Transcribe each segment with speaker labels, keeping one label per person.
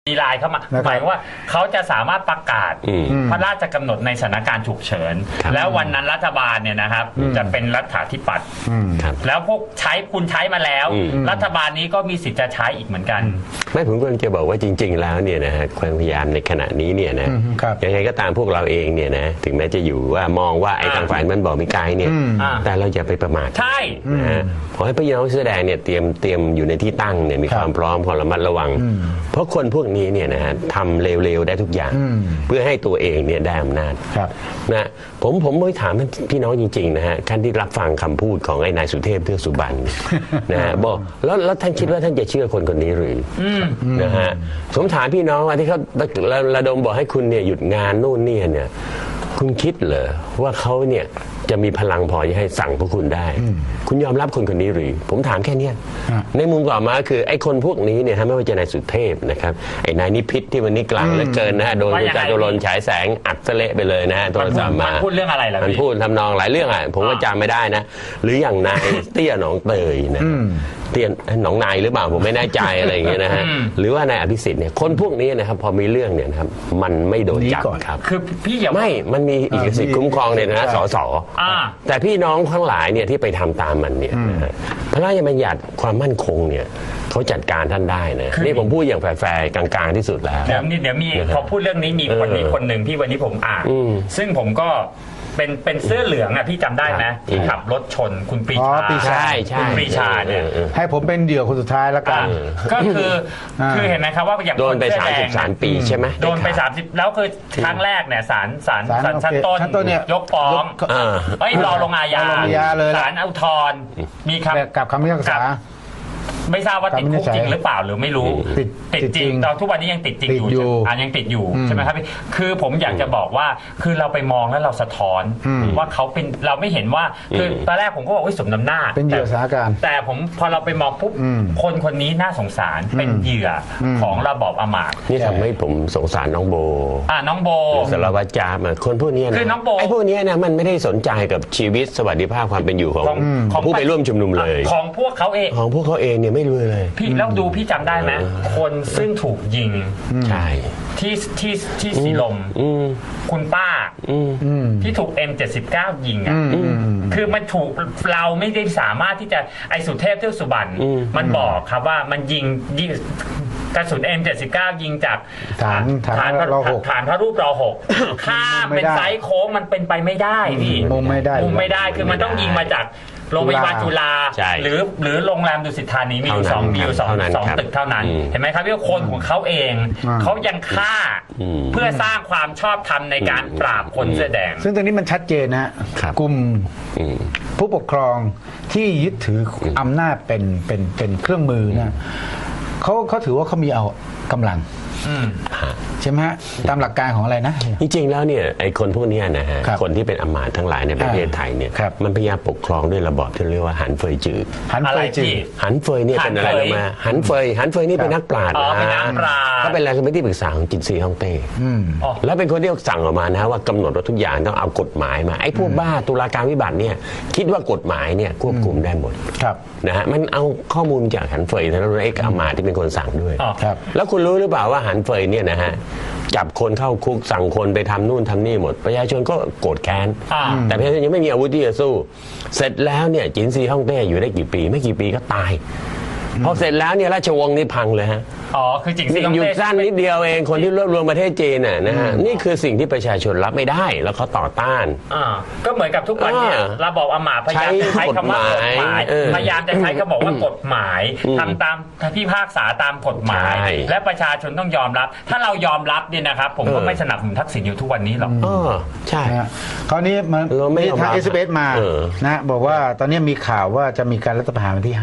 Speaker 1: มีไลน์เข้ามาหมายว่าเขาจะสามารถประกาศพระราชกำหนดในสถานการณ์ฉุกเฉินแล้ววันนั้นรัฐบาลเนี่ยนะครับจะเป็นรัฐาธิปัตย์แล้วพวกคุณใช้มาแล้วรัฐบาลนี้ก็มีสิทธิ์จะใช้อีกเหมือนกัน
Speaker 2: ไม่ผมกำลังจะบอกว่าจริงๆแล้วเนี่ยนะฮะความพยายามในขณะนี้เนี่ยนะยังไงก็ตามพวกเราเองเนี่ยนะถึงแม้จะอยู่ว่ามองว่าไอ้ทางฝ่ายมันบอกมีไกลเนี่ยแต่เราอย่าไปประมาท
Speaker 1: ใช่
Speaker 2: นะฮะขอให้พี่น้องเสื้อแดงเนี่ยเตรียมอยู่ในที่ตั้งเนี่ยมีความพร้อมความระมัดระวังเพราะคนพวกนี้เนี่ยนะฮะทำเร็วๆได้ทุกอย่างเพื่อให้ตัวเองเนี่ยได้อำนาจนะผมไม่ถามพี่น้องจริงๆนะฮะท่านที่รับฟังคำพูดของไอ้นายสุเทพเทือกสุบรรณนะฮะบอกแล้วท่านคิดว่าท่านจะเชื่อคนนี้หรือนะฮะผมถามพี่น้องว่าที่เขาระดมบอกให้คุณเนี่ยหยุดงานนู่นนี่เนี่ยคุณคิดเหรอว่าเขาเนี่ยจะมีพลังพอที่ให้สั่งพวกคุณได้คุณยอมรับคนนี้หรือผมถามแค่นี้ในมุมต่อมาคือไอ้คนพวกนี้เนี่ยไม่ว่าจะนายสุเทพนะครับไอ้นายนิพิษที่วันนี้กลางเหลือเกินนะฮะโดนคุณจตุรนต์ฉายแสงอัดเละไปเลยนะฮะโทรศัพท์มา
Speaker 1: พูดเรื่องอะไรล่ะ
Speaker 2: มันพูดทำนองหลายเรื่องอ่ะผมก็จำไม่ได้นะหรืออย่างนายเตี้ยหนองเตยนะเตี้ยหนองนายหรือเปล่าผมไม่แน่ใจอะไรอย่างเงี้ยนะฮะหรือว่านายอภิสิทธิ์เนี่ยคนพวกนี้นะครับพอมีเรื่องเนี่ยนะครับมันไม่โดนจับครับ
Speaker 1: คือพี่อย่า
Speaker 2: ไม่มันมีเอกสิทธิ์คุ้มครองในฐานะสสแต่พี่น้องทั้งหลายเนี่ยที่ไปทำตามมันเนี่ยพระราชบัญญัติความมั่นคงเนี่ยเขาจัดการท่านได้นะนี่ผมพูดอย่างแฟร์ๆกลางๆที่สุดแล้ว
Speaker 1: เดี๋ยวมีพอพูดเรื่องนี้มีคนหนึ่งที่วันนี้ผมอ่านซึ่งผมก็เป็นเสื้อเหลืองอ่ะพี่จำได้ไหมที่ขับรถชนคุณปรีชาคุณปรีชาเนี่ย
Speaker 3: ให้ผมเป็นเหยื่อคนสุดท้ายแล้วกัน
Speaker 1: ก็คือเห็นไหมครับว่าอย่าง
Speaker 2: โดนไป33 ปีใช่ไหม
Speaker 1: โดนไป30แล้วคือครั้งแรกเนี่ยศาลชั้นต้นยกฟ้องรอลงอาญาศาลอุทธรณ์มีคำ
Speaker 3: กับคำพิพากษา
Speaker 1: ไม่ทราบว่าติดคุกจริงหรือเปล่าหรือไม่รู้ติดจริงตอนทุกวันนี้ยังติดจริงอยู่ยังติดอยู่ใช่ไหมครับคือผมอยากจะบอกว่าคือเราไปมองแล้วเราสะท้อนว่าเขาเป็นเราไม่เห็นว่าคือตอนแรกผมก็บอกว่าสมน้ำหน้า
Speaker 3: เป็นเหยื่อสถานการณ์
Speaker 1: แต่ผมพอเราไปมองปุ๊บคนนี้น่าสงสารเป็นเหยื่อของระบอบอำมาตย์
Speaker 2: นี่ทำให้ผมสงสารน้องโบ
Speaker 1: น้องโบ
Speaker 2: สารวัตรจามคนพวกนี้นะ
Speaker 1: คือน้องโบ
Speaker 2: ไอ้พวกนี้นะมันไม่ได้สนใจกับชีวิตสวัสดิภาพความเป็นอยู่ของผู้ไปร่วมชุมนุมเลย
Speaker 1: ของพวกเขาเ
Speaker 2: องเนี่ยไม่รู้เลย
Speaker 1: พี่แล้วดูพี่จำได้ไหมคนซึ่งถูกยิง
Speaker 2: ใช่
Speaker 1: ที่สีลมคุณป้าที่ถูก M79 ยิงคือมันถูกเราไม่ได้สามารถที่จะไอสุเทพเทือกสุบรรณมันบอกครับว่ามันยิงกระสุน M79 ยิงจากฐานพระรูปร.6ข้ามเป็นไซส์โค้งมันเป็นไปไม่ได้พี่
Speaker 3: มุมไม่
Speaker 1: ได้คือมันต้องยิงมาจากโรงพยาบาลจุฬาหรือโรงแรมดุสิตธานีมีอยู่2ตึกเท่านั้นเห็นไหมครับว่าคนของเขาเองเขายังฆ่าเพื่อสร้างความชอบธรรมในการปราบคนเสื้อแดง
Speaker 3: ซึ่งตรงนี้มันชัดเจนนะกลุ่มผู้ปกครองที่ยึดถืออำนาจเป็นเครื่องมือนะเขาถือว่าเขามีเอากำลังใช่ไหมฮะตามหลักการของอะไรนะ
Speaker 2: จริงๆแล้วเนี่ยไอ้คนพวกนี้นะฮะคนที่เป็นอำมาตย์ทั้งหลายในประเทศไทยเนี่ยมันพยายามปกครองด้วยระบอบที่เรียกว่าหันเฟยจืดหันเฟยเนี่ยเป็นอะไรรู้ไหมหันเฟยนี่เป็นนักปราชญ์นะก็เป็นอะไรเป็นที่ปรึกษาของจินซีฮ่องเต้แล้วเป็นคนที่สั่งออกมานะว่ากำหนดว่าทุกอย่างต้องเอากฎหมายมาไอ้พวกบ้าตุลาการวิบัติเนี่ยคิดว่ากฎหมายเนี่ยควบคุมได้หมดนะฮะมันเอาข้อมูลจากหันเฟยแล้วไอ้อำมาตย์ที่เป็นคนสั่งด้วยแล้วคุณรู้หรือเปล่าว่าหันเฟยเนี่ยนะฮะจับคนเข้าคุกสั่งคนไปทำนู่นทำนี่หมดประชาชนก็โกรธแค้นแต่ประชาชนยังไม่มีอาวุธที่จะสู้เสร็จแล้วเนี่ยจินซีฮ่องเต้อยู่ได้กี่ปีไม่กี่ปีก็ตายพอเสร็จแล้วเนี่ยราชวงศ์นี่พังเลยฮะ
Speaker 1: คือจินซีฮ่องเต้
Speaker 2: อยู่สั้นนิดเดียวเองคนที่รวบรวมประเทศจีนนะฮะนี่คือสิ่งที่ประชาชนรับไม่ได้แล้วเขาต่อต้าน
Speaker 1: ก็เหมือนกับทุกวันเนี่ยระบอบอำมาตย์พยายามจะใช้คำว่ากฎหมายพยายามจะใช้คำบอกว่ากฎหมายทำตามพิพากษาตามกฎหมายและประชาชนต้องยอมรับถ้าเรายอมรับเนี่ยนะครับผมก็ไม่สนับสนุนทักษิณอยู่ทุกวันนี้หรอก
Speaker 2: ใช่
Speaker 3: คราวนี้มันมีทางSBSมานะบอกว่าตอนนี้มีข่าวว่าจะมีการรัฐประหารวันที่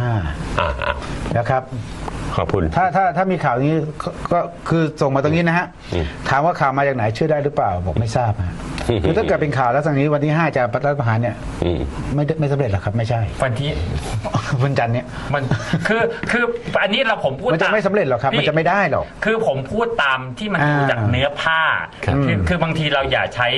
Speaker 3: 5นะครับ
Speaker 2: ขอบคุณ
Speaker 3: ถ้ามีข่าวนี้ก็คือส่งมาตรงนี้นะฮะถามว่าข่าวมาจากไหนเชื่อได้หรือเปล่าบอกไม่ทราบคือถ้าเกิดเป็นข่าวแล้วทางนี้วันที่5จะรัฐประหารเนี่ยไม่สำเร็จหรอกครับไม่ใช่วันจันทร์เนี่ย
Speaker 1: มันคืออันนี้ผมพูด
Speaker 3: มันจะไม่สำเร็จหรอกครับมันจะไม่ได้หรอก
Speaker 1: คือผมพูดตามที่มันดูจากเนื้อผ้าคือบางทีเราอย่าใช้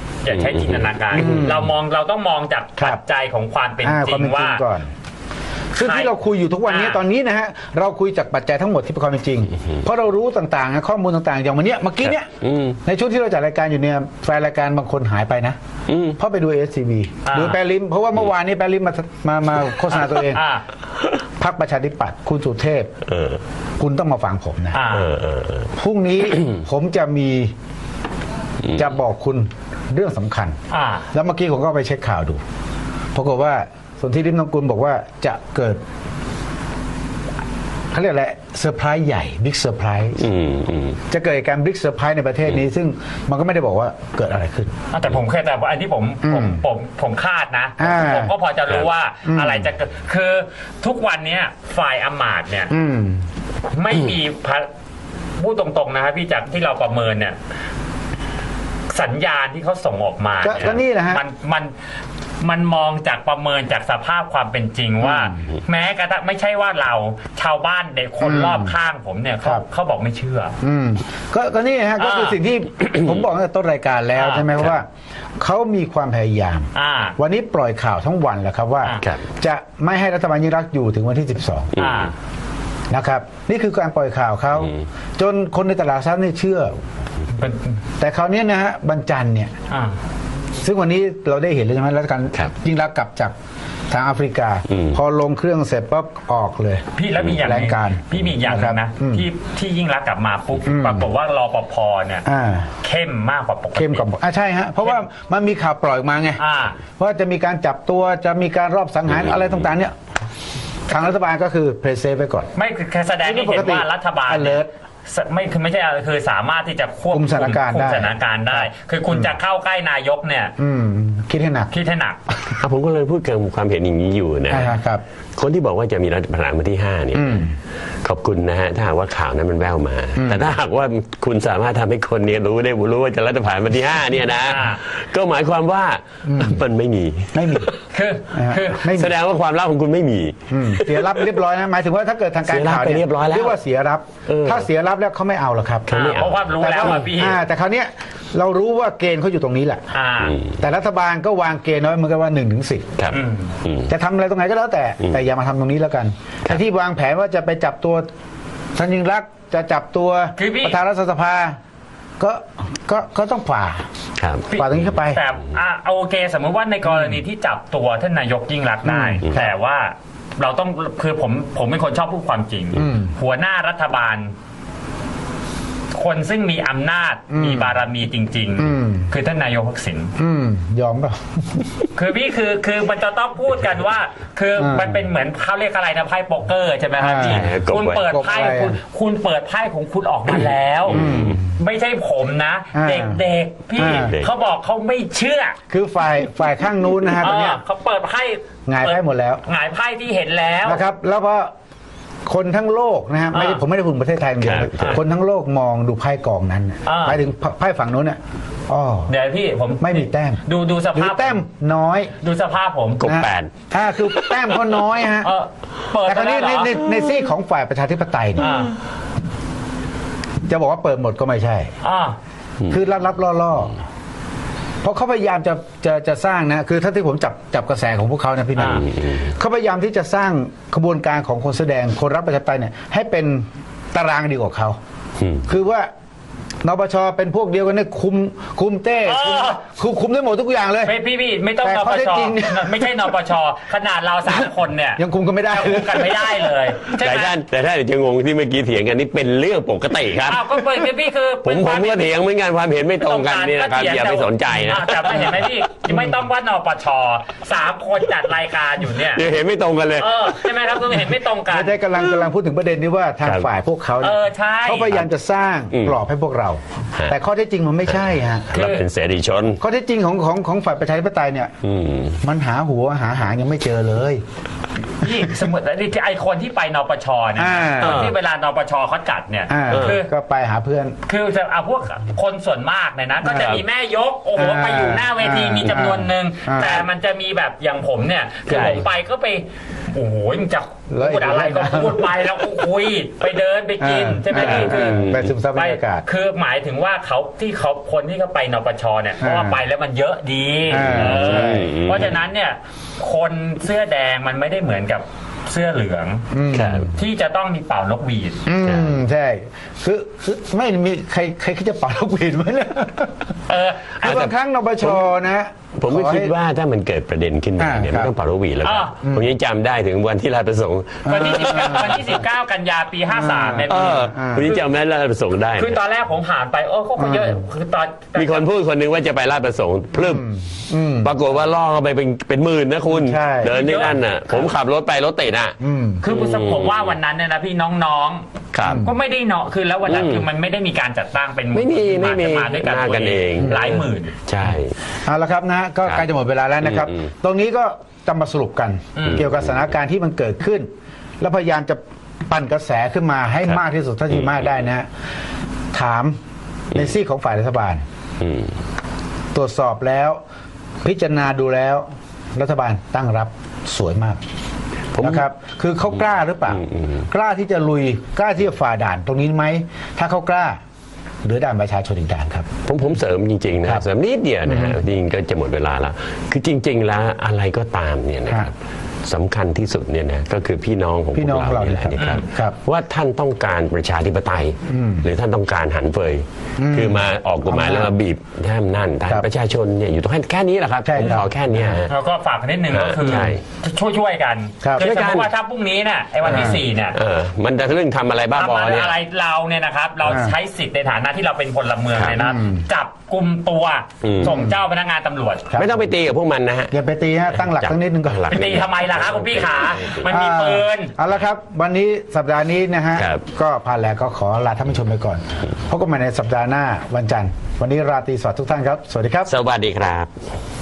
Speaker 1: จินตนาการเราต้องมองจากปัจจัยของความเป็นจริงว่า
Speaker 3: ซึ่งที่เราคุยอยู่ทุกวันนี้ตอนนี้นะฮะเราคุยจากปัจจัยทั้งหมดที่เป็นความเป็นจริง เพราะเรารู้ต่างๆข้อมูลต่างๆอย่างวันนี้เมื่อกี้เนี่ยในช่วงที่เราจัดรายการอยู่เนี่ยแฟนรายการบางคนหายไปนะเพราะไปดู SCB ดูแปรลิมเพราะว่าเมื่อวานนี้แปรลิมมาโฆษณาตัวเองพรรคประชาธิปัตย์คุณสุเทพคุณต้องมาฟังผมนะพรุ่งนี้ ผมจะบอกคุณเรื่องสำคัญแล้วเมื่อกี้ผมก็ไปเช็คข่าวดูปรากฏว่าสนธิริมนกุลบอกว่าจะเกิดเขาเรียกอะไรเซอร์ไพรส์ใหญ่บิ๊กเซอร์ไพรส์จะเกิดการบิ๊กเซอร์ไพรส์ในประเทศนี้ซึ่งมันก็ไม่ได้บอกว่าเกิดอะไรขึ้น
Speaker 1: แต่ผมเคยแต่อันที่ผมคาดนะผมก็พอจะรู้ว่าอะไรจะเกิดคือทุกวันนี้ฝ่ายอำมาตย์เนี่ยไม่มีพูดตรงๆนะครับพี่จากที่เราประเมินเนี่ยสัญญาณที่เขาส่งออกมา
Speaker 3: ก็นี่นะฮะ
Speaker 1: มันมองจากประเมินจากสภาพความเป็นจริงว่าแม้กระทั่งไม่ใช่ว่าเราชาวบ้านเด็กคนรอบข้างผมเนี่ยเขาบอกไม่เชื่อ
Speaker 3: ก็นี่ฮะก็คือสิ่งที่ ผมบอกตั้งแต่ต้นรายการแล้วใช่ไหมเพราะว่าเขามีความพยายามวันนี้ปล่อยข่าวทั้งวันแหละครับว่าจะไม่ให้รัฐบาลยิ่งรักอยู่ถึงวันที่12นะครับนี่คือการปล่อยข่าวเขาจนคนในตลาดทรัพย์นี่เชื่อแต่คราวนี้นะฮะบรรจันเนี่ยซึ่งวันนี้เราได้เห็นเลยใช่ไหมรัฐการยิ่งรักกลับจากทางแอฟริกาพอลงเครื่องเสร็จปั๊บออกเลย
Speaker 1: พี่แล้วมีอย่างนึงพี่มีอย่างนึงนะที่ยิ่งรักกลับมาปุ๊บปรากฏว่ารปภเนี่ยเข้มมากกว่าปกติ
Speaker 3: เข้มกว่าใช่ฮะเพราะว่ามันมีข่าวปล่อยมาไงว่าจะมีการจับตัวจะมีการรอบสังหารอะไรต่างๆเนี่ยทางรัฐบาลก็คือเพรสเซฟไว้ก่อน
Speaker 1: ไม่คือแสดงให้เห็นว่ารัฐบาลไม่ใช่คือสามารถที่จะควบคุมสถานการณ์ได้ คือคุณจะเข้าใกล้นายกเนี่ย
Speaker 3: คิดให้หนัก
Speaker 2: ผมก็เลยพูดกับความเห็นอย่างนี้อยู่นะครับคนที่บอกว่าจะมีรัฐประหารวันที่5เนี่ยขอบคุณนะฮะถ้าหากว่าข่าวนั้นมันแววมาแต่ถ้าหากว่าคุณสามารถทำให้คนนี้รู้ว่าจะรัฐประหารวันที่5เนี่ยนะก็หมายความว่ามันไม่มี
Speaker 1: คือ
Speaker 2: แสดงว่าความลับของคุณไม่มี
Speaker 3: เสียรับเรียบร้อยนะหมายถึงว่าถ้าเกิดทางการข่าว
Speaker 2: เรียบร้อยแล้ว
Speaker 3: เรียกว่าเสียรับถ้าเสียรับแล้วเขาไม่เอาหรอกครับ
Speaker 1: เพราะว่ารู้แล้วพี่
Speaker 3: แต่คราวนี้เรารู้ว่าเกณฑ์เขาอยู่ตรงนี้แหละแต่รัฐบาลก็วางเกณฑ์ไว้เหมือนกันว่า1 ถึง 10จะทำอะไรตรงไหนก็แล้วแต่อย่ามาทำตรงนี้แล้วกันแต่ที่วางแผนว่าจะไปจับตัวท่านยิ่งรักษณ์จะจับตัวประธานรัฐสภาก็ต้องฝ่าตรงนี้เข้าไป
Speaker 1: แต่โอเคสมมติว่าในกรณีที่จับตัวท่านนายกยิ่งรักษณ์ได้แต่ว่าเราต้องคือผมเป็นคนชอบพูดความจริงหัวหน้ารัฐบาลคนซึ่งมีอำนาจมีบารมีจริงๆคือท่านนายกทักษิณ
Speaker 3: ยอมเปล่า
Speaker 1: คือพี่คือมันจะต้องพูดกันว่าคือมันเป็นเหมือนเขาเรียกอะไรนะไพ่โป๊กเกอร์ใช่ไหมครับพี่คุณเปิดไพ่คุณเปิดไพ่ของคุณออกมาแล้วไม่ใช่ผมนะเด็กๆพี่เขาบอกเขาไม่เชื่อ
Speaker 3: คือฝ่ายข้างนู้นนะฮะตอนนี้
Speaker 1: เขาเปิดไพ่
Speaker 3: หงายไพ่หมดแล้ว
Speaker 1: หงายไพ่ที่เห็นแล้ว
Speaker 3: นะครับแล้วก็คนทั้งโลกนะฮะผมไม่ได้พูดประเทศไทยอย่างเดียวคนทั้งโลกมองดูไพ่กองนั้นหมายถึงไพ่ฝั่งโน้นเนี่ย
Speaker 1: เดี๋ยวพี่ผม
Speaker 3: ไม่มีแต้ม
Speaker 1: ดูสภาพ
Speaker 3: แต้มน้อย
Speaker 1: ดูสภาพผม
Speaker 2: กบ8
Speaker 3: คือแต้มเขาน้อยฮะแต่คราวนี้ในซีกของฝ่ายประชาธิปไตยเนี่ยจะบอกว่าเปิดหมดก็ไม่ใช่คือรับล่อเพราะเขาพยายามจะสร้างนะคือถ้าที่ผมจับกระแสของพวกเขานะพี่นะเขาพยายามที่จะสร้างขบวนการของคนแสดงคนรับประชาธิปไตยเนี่ยให้เป็นตารางเดียวกับเขาคือว่านปชเป็นพวกเดียวกันเนี่ยคุมเต้คุมได้หมดทุกอย่างเลย
Speaker 1: พี่ไม่ต้องนปชไม่ใช่นปชขนาดเรา3คนเนี่ย
Speaker 3: ยังคุมกันไม่ได้
Speaker 1: เลย
Speaker 2: แต่ถ้าจะงงที่เมื่อกี้เถียงกันนี่เป็นเรื่องปกติครับ
Speaker 1: ก็เป็นพี่คือ
Speaker 2: ผมก็เถียงเหมือนกันความเห็นไม่ตรงกันนี่นะครับอย่าไปสนใจนะ
Speaker 1: แต่เห็นไหมพี่ไม่ต้องว่านปช3คนจัดรายการอยู่เนี่ย
Speaker 2: เห็นไม่ตรงกันเลย
Speaker 1: ใช่ไหมครับเห็นไม่ตรงกัน
Speaker 3: ไม่ได้กำลังพูดถึงประเด็นนี้ว่าทางฝ่ายพวกเขาเขาพยายามจะสร้างกรอบให้พวกเราแต่ข้อเท็จจริงมันไม่ใช่ฮะ
Speaker 2: เราเป็นเสรีชน
Speaker 3: ข้อเท็จจริงของฝ่ายประชาธิปไตยเนี่ยมันหาหัวหาหางยังไม่เจอเลย
Speaker 1: นี่สมมติไอคนที่ไปนปชเนี่ยที่เวลานปชเขาจัดเนี่ย
Speaker 3: คือก็ไปหาเพื่อน
Speaker 1: คือจะเอาพวกคนส่วนมากเนี่ยนะก็จะมีแม่ยกโอ้โหไปอยู่หน้าเวทีมีจำนวนหนึ่งแต่มันจะมีแบบอย่างผมเนี่ยคือผมไปก็ไปโอ้โหมึงจะพูดอะไรก็พูดไปแล้วก็คุยไปเดินไปกินใช่ไหมพี่คือ
Speaker 3: ไปซึมซับบรรยากาศ
Speaker 1: คือหมายถึงว่าคนที่เขาไปนปชเนี่ยเพราะว่าไปแล้วมันเยอะดีเพราะฉะนั้นเนี่ยคนเสื้อแดงมันไม่ได้เหมือนกับเสื้อเหลือง
Speaker 2: ครับ
Speaker 1: ที่จะต้องมีเป่านกหวีด
Speaker 3: ใช่คือไม่มีใครคิดจะเป่านกหวีดไหมเนี่ย คือบางครั้งนปชนะ
Speaker 2: ผมก็คิดว่าถ้ามันเกิดประเด็นขึ้นมาเนี่ย
Speaker 3: ครับ
Speaker 2: ไม่ต้องเป่าลูกหวีดแล้วครับผมยังจำได้ถึงวันที่ราชประสงค์
Speaker 1: วันที่ 19 กันยาปี 53เนี่ย
Speaker 2: ผมยังจำได้ราชประสงค์ได้
Speaker 1: คือตอนแรกผมผ่านไปก็คนเยอะคือตอน
Speaker 2: มีคนพูดคนหนึงว่าจะไปราชประสงค์พลึบปรากฏว่าล่อเข้าไปเป็นหมื่นนะคุณ
Speaker 3: ใช่
Speaker 2: เดินที่นั่นน่ะ ผมขับรถไปรถติดอ่ะ
Speaker 1: คือผมว่าวันนั้นเนี่ยนะพี่น้อง
Speaker 2: ครับ
Speaker 1: ก็ไม่ได้เนาะคือแล้ววันนั้นคือมันไม่ได้มีการจัดตั้งเป็น
Speaker 2: ไม่มี
Speaker 1: มาด้วยกัน
Speaker 2: มากันเอง
Speaker 1: หลายหมื่น
Speaker 2: ใช่
Speaker 3: เอาละครับนะก็ใกล้จะหมดเวลาแล้วนะครับ ตรงนี้ก็จะมาสรุปกัน เกี่ยวกับสถานการณ์ที่มันเกิดขึ้น แล้วพยายามจะปั่นกระแสขึ้นมาให้มากที่สุดเท่าที่มากได้นะฮะถามในซีกของฝ่ายรัฐบาล ตรวจสอบแล้ว พิจารณาดูแล้ว รัฐบาลตั้งรับสวยมากนะครับ คือเขากล้าหรือเปล่ากล้าที่จะลุยกล้าที่จะฝ่าด่านตรงนี้ไหมถ้าเขากล้าเหลือด่านประชาชนอีกด่านครับ
Speaker 2: ผมเสริมจริงๆนะเสริมนิดเดียวนะฮะจริงก็จะหมดเวลาแล้ว คือจริง ๆ แล้วอะไรก็ตามเนี่ยนะครับสำคัญที่สุดเนี่ยนะก็คือพี่น้องของพ
Speaker 3: พี่
Speaker 2: ว
Speaker 3: น้อง
Speaker 2: กเรา
Speaker 3: เรา
Speaker 2: นี่แหละนะครับ
Speaker 3: ครับ
Speaker 2: ว่าท่านต้องการประชาธิปไตย หรือท่านต้องการหันเฟยคือมาออกกฎหมายแล้วมาบีบท่านนั่นท่าน
Speaker 3: ครับ
Speaker 2: ประชาชนเนี่ยอยู่ตรงแค่นี้แหละครับ
Speaker 3: ใช่
Speaker 2: ผม
Speaker 3: ครับ
Speaker 2: ขอแค่เนี้ยฮะ
Speaker 1: แล้วก็ฝากนิดนึงก็คือ
Speaker 2: ใช่
Speaker 1: ช่วยกัน
Speaker 3: ครับ
Speaker 1: คือ
Speaker 2: ช่วย
Speaker 1: ส
Speaker 2: กั
Speaker 1: ม
Speaker 2: น
Speaker 1: มติว่าถ้าพรุ่งนี้เนี่ยไอ้วันที่ 4 เนี่ย
Speaker 2: มันจะเรื่องทำอะไรบ้าบอ
Speaker 1: ทำ
Speaker 2: เนี่ย
Speaker 1: อะไรเราเนี่ยนะครับ เราใช้สิทธิ์ในฐานะที่เราเป็นพลเมืองเนี่ยนะครับจับกลุ่มตัวส่งเจ้าพนักงานตำรวจ
Speaker 2: ไม่ต้องไปตีกับพวกมันนะฮะ
Speaker 3: อย่าไปตีฮะตั้งหลักตั้งนิดนึงก่อน
Speaker 2: หลัก
Speaker 1: ไปตีทำไมล่ะครับคุณพี่ขามันมีปืน
Speaker 3: เอาละครับ วันนี้สัปดาห์นี้นะฮะ
Speaker 2: ครับ
Speaker 3: ก็ผ่านแล้วก็ขอลาท่านผู้ชมไปก่อนพบกันใหม่ในสัปดาห์หน้าวันจันทร์วันนี้ราตรีสวัสดิ์ทุกท่านครับ สวัสดีครับ
Speaker 2: สวัสดีครับ